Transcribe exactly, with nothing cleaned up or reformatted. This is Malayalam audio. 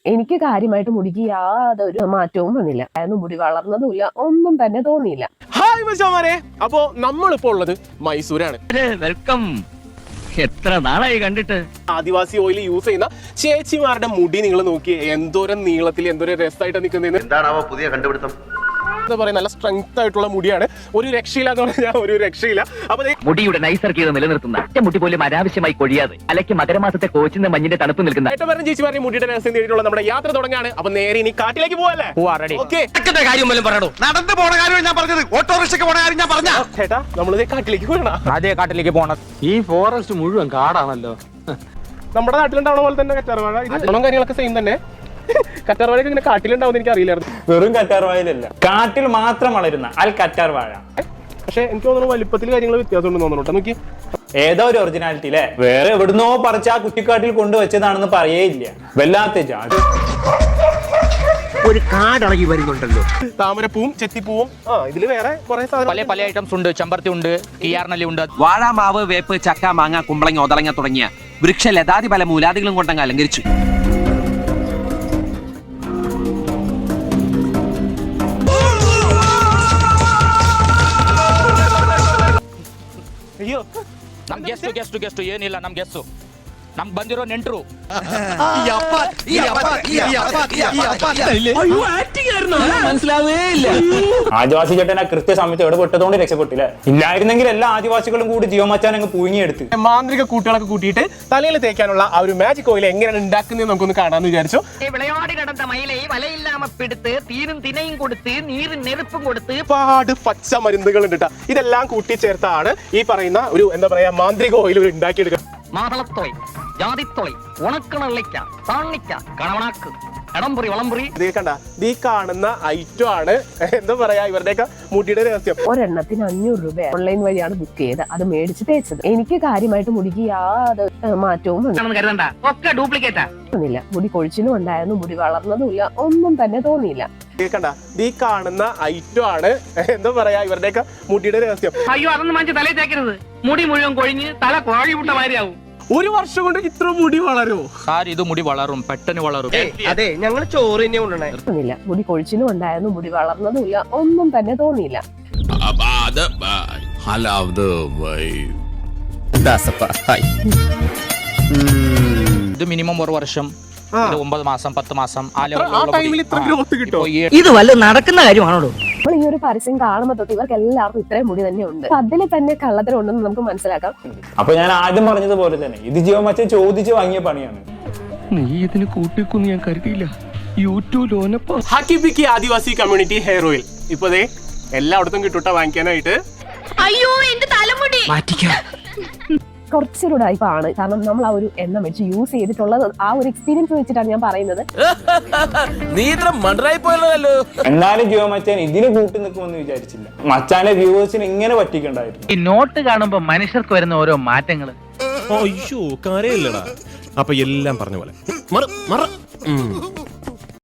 എനിക്ക് കാര്യമായിട്ട് മുടിക്ക് യാതൊരു മാറ്റവും വന്നില്ല. അതൊന്നും മുടി വളർന്നതുമില്ല, ഒന്നും തന്നെ തോന്നിയില്ല. ഹായ് മച്ചാമാരെ, അപ്പോ നമ്മളിപ്പോ ഉള്ളത് മൈസൂരാണ്. വെൽക്കം. എത്ര നാളായി കണ്ടിട്ട്. ആദിവാസി ഓയിൽ യൂസ് ചെയ്യുന്ന ചേച്ചിമാരുടെ മുടി നിങ്ങൾ നോക്കി എന്തോരം നീളത്തിൽ എന്തോരം രസമായിട്ട് നിൽക്കുന്നത്. എന്താണാവോ പുതിയ കണ്ടുപിടുത്തം? എന്താ പറയാ, നല്ല സ്ട്രെങ്ത് ആയിട്ടുള്ള മുടിയാണ്. ഒരു രക്ഷയില്ല എന്ന് പറഞ്ഞാൽ ഒരു രക്ഷയില്ല. അപ്പൊ മുടിയുടെ നൈസർഗീയത നിലനിർത്തുന്ന മുടി പോലും അനാവശ്യമായി കൊഴിയാതെ അലയ്ക്ക് മകരമാസത്തെ കോച്ചിന്റെ മഞ്ഞിന്റെ തണുപ്പ് നിൽക്കുന്ന ഏറ്റവും പറഞ്ഞ ചേച്ചിമാരുടെ മുടിയുടെ രഹസ്യം നേടിയിട്ടുള്ള നമ്മുടെ യാത്ര തുടങ്ങാണ്. അപ്പൊ നേരെ ഇനി കാട്ടിലേക്ക് പോവല്ലേ? കാര്യം പറയണോ? നടന്നു പോണ കാര്യം ഞാൻ പറഞ്ഞത്, ഓട്ടോറിക്ഷയ്ക്ക് പോണ കാര്യം ഞാൻ പറഞ്ഞ. ചേട്ടാ, നമ്മളിത് കാട്ടിലേക്ക് പോകണം. അതേ കാട്ടിലേക്ക് പോണം. ഈ ഫോറസ്റ്റ് മുഴുവൻ കാടാണല്ലോ. നമ്മുടെ നാട്ടിലുണ്ടാവണ പോലെ തന്നെ കറ്റാർവാഴ, ഇത് കാര്യങ്ങളൊക്കെ സെയിം തന്നെ. കറ്റാർവാഴയൊക്കെ ഇങ്ങനെ കാട്ടിലുണ്ടാവും എനിക്ക് അറിയില്ലായിരുന്നു. വെറും കറ്റാർവാഴയിലല്ല, കാട്ടിൽ മാത്രം വളരുന്ന അൽ കറ്റാർവാഴ. പക്ഷെ എനിക്ക് തോന്നുന്നു വലിപ്പത്തിൽ കാര്യങ്ങൾ വ്യത്യാസം ഉണ്ടെന്ന് തോന്നുന്നു. നോക്കി, ഏതോ ഒരു ഒറിജിനാലിറ്റി അല്ലേ, വേറെ എവിടുന്നോ പറിച്ച് ആ കുറ്റിക്കാട്ടിൽ കൊണ്ടുവച്ചതാണെന്ന് പറയേയില്ല. വല്ലാത്ത ജാതി. ഒരു കാടിളകി വരുന്നുണ്ടല്ലോ. താമരപ്പൂവും ചെത്തിപ്പൂവും, ആ ഇതില് വേറെ കുറെ പല പല ഐറ്റംസ് ഉണ്ട്. ചെമ്പരത്തി ഉണ്ട്, കിയാർനെല്ലി ഉണ്ട്. വാഴാമാവ്, വേപ്പ്, ചക്ക, മാങ്ങ, കുമ്പളങ്ങ, ഒതളങ്ങ തുടങ്ങിയ വൃക്ഷ ലതാതി പല മൂലാദികളും കൊണ്ടങ്ങ് അലങ്കരിച്ചു. ಅಯ್ಯೋ, ನಮ್ ಗೆಸ್ಟ್ ಗೆಸ್ಟ್ ಗೆಸ್ಟ್ ಏನಿಲ್ಲ, ನಮ್ ಗೆಸ್ಟ್ ನಮ್ ಬಂದಿರೋ ನೆಂಟ್ರು. മനസ്സിലാവേ ഇല്ല. ആദിവാസി ചേട്ടൻ കൃത്യസമയത്ത് എവിടെ പെട്ടതുകൊണ്ട് രക്ഷപ്പെട്ടില്ല. ഇല്ലായിരുന്നെങ്കിൽ എല്ലാ ആദിവാസികളും കൂടി ജീവമച്ചാൻ അങ്ങ് പൂങ്ങിയെടുത്ത് മാന്ത്രിക കൂട്ടുകളൊക്കെ കൂട്ടിയിട്ട് തലയിൽ തേക്കാനുള്ള ആ ഒരു മാജിക് ഓയിൽ എങ്ങനെയാണ് ഉണ്ടാക്കുന്നത് നമുക്കൊന്ന് കാണാന്ന് വിചാരിച്ചു. വിളയാടി കിടന്ന മയിലെ വലയില്ലാമ പിടുത്ത് തീരും തിനയും കൊടുത്ത് നീരും നെരുപ്പും കൊടുത്ത് ഒരുപാട് പച്ച മരുന്നുകൾ ഉണ്ട്. ഇതെല്ലാം കൂട്ടിച്ചേർത്താണ് ഈ പറയുന്ന ഒരു എന്താ പറയാ മാന്ത്രിക ഓയിൽ ഉണ്ടാക്കിയെടുക്കുക. മാതളത്തോയ്, ജാതിത്തോയ്, ഉണക്കണള്ളിക്ക, താണിക്ക, കണവണാക്ക്, എടംപുറി, വളംപുറി. ഇത് കണ്ട, ഈ കാണുന്ന ഐറ്റം ആണ് എന്താ പറയാ ഇവരുടെയൊക്കെ മുടിയുടെ രഹസ്യം. ഒരെണ്ണത്തിന് അഞ്ഞൂറ് രൂപ ഓൺലൈൻ വഴിയാണ് ബുക്ക് ചെയ്ത് അത് മേടിച്ച് തേച്ചത്. എനിക്ക് കാര്യമായിട്ട് മുടിക്ക് യാതൊരു മാറ്റവും കരുതണ്ട, ഒക്കെ ഡ്യൂപ്ലിക്കേറ്റാ. വന്നില്ല. മുടി കൊഴിച്ചിലും ഉണ്ടായിരുന്നു, മുടി വളർന്നതുമില്ല, ഒന്നും തന്നെ തോന്നിയില്ല. കണ്ട, ഈ കാണുന്ന ഐറ്റം ആണ് എന്താ പറയാ ഇവരുടെയൊക്കെ മുടിയുടെ രഹസ്യം. അയ്യോ, അതൊന്നും മനസ്സിൽ തലയിൽ തേക്കരുത്. മുടി മുഴുവൻ കൊഴിഞ്ഞ് തല കോഴി വിട്ട മാതിരിയാവും. ഒരു വർഷം കൊണ്ട് ഇത്ര മുടി വളരുമോ? സാർ, ഇത് മുടി വളരും, പെട്ടെന്ന് വളരും. അതെ, ഞങ്ങൾ ചോറ് തന്നെ കൊണ്ടുവന്നേ. തോന്നിയില്ല. മുടി കൊഴിച്ചിലും ഉണ്ടായിരുന്നു, മുടി വളർന്നതുമില്ല, ഒന്നും തന്നെ തോന്നിയില്ല. ഇത് മിനിമം ഒരു വർഷം, ഇത് ഒമ്പത് മാസം, പത്ത് മാസം. ആ ടൈമിൽ ഇത്ര ഗ്രോത്ത് കിട്ടുമോ? ഇത് വല്ല നടക്കുന്ന കാര്യമാണോ? നമ്മൾ ഈ ഒരു പരസ്യം കാണുമ്പോൾ തൊട്ട് ഇവർക്ക് എല്ലാവർക്കും ഇത്രയും മുടി തന്നെ ഉണ്ട്. അതിൽ തന്നെ കള്ളത്തരം ഉണ്ടെന്ന് നമുക്ക് മനസ്സിലാക്കാം. അപ്പൊ ഞാൻ ആദ്യം പറഞ്ഞതുപോലെ തന്നെ ഇത് ജീവമച്ചൻ ചോദിച്ചു വാങ്ങിയ പണിയാണ്. നീ ഇതിന് കൂട്ടിക്കൊന്നും ഞാൻ കരുതിയില്ല. YouTube Hakkibikki adivasi community hair oil ഇപ്പൊ ദേ എല്ലായിടത്തും കിട്ടൂട്ട വാങ്ങിക്കാനായിട്ട്. അയ്യോ, എന്റെ തലമുടി കുറച്ചൊരു ടൈപ്പാണ്. കാരണം നമ്മൾ ആ ഒരു എണ്ണ വെച്ച് യൂസ് ചെയ്തിട്ടുള്ളത് ആ ഒരു എക്സ്പീരിയൻസ് വെച്ചിട്ടാണ് ഞാൻ പറയുന്നത്. എന്നാലും ജീവമച്ചാൻ ഇതിന് കൂട്ടി നിൽക്കുമെന്ന് വിചാരിച്ചില്ല. മച്ചാന്റെ വ്യൂവേഴ്സിന് ഇങ്ങനെ പറ്റിക്കണ്ടായിരുന്നു. ഈ നോട്ട് കാണുമ്പോ മനുഷ്യർക്ക് വരുന്ന ഓരോ മാറ്റങ്ങള്. അയ്യോ, കാര്യമില്ലടാ. അപ്പൊ എല്ലാം പറഞ്ഞ പോലെ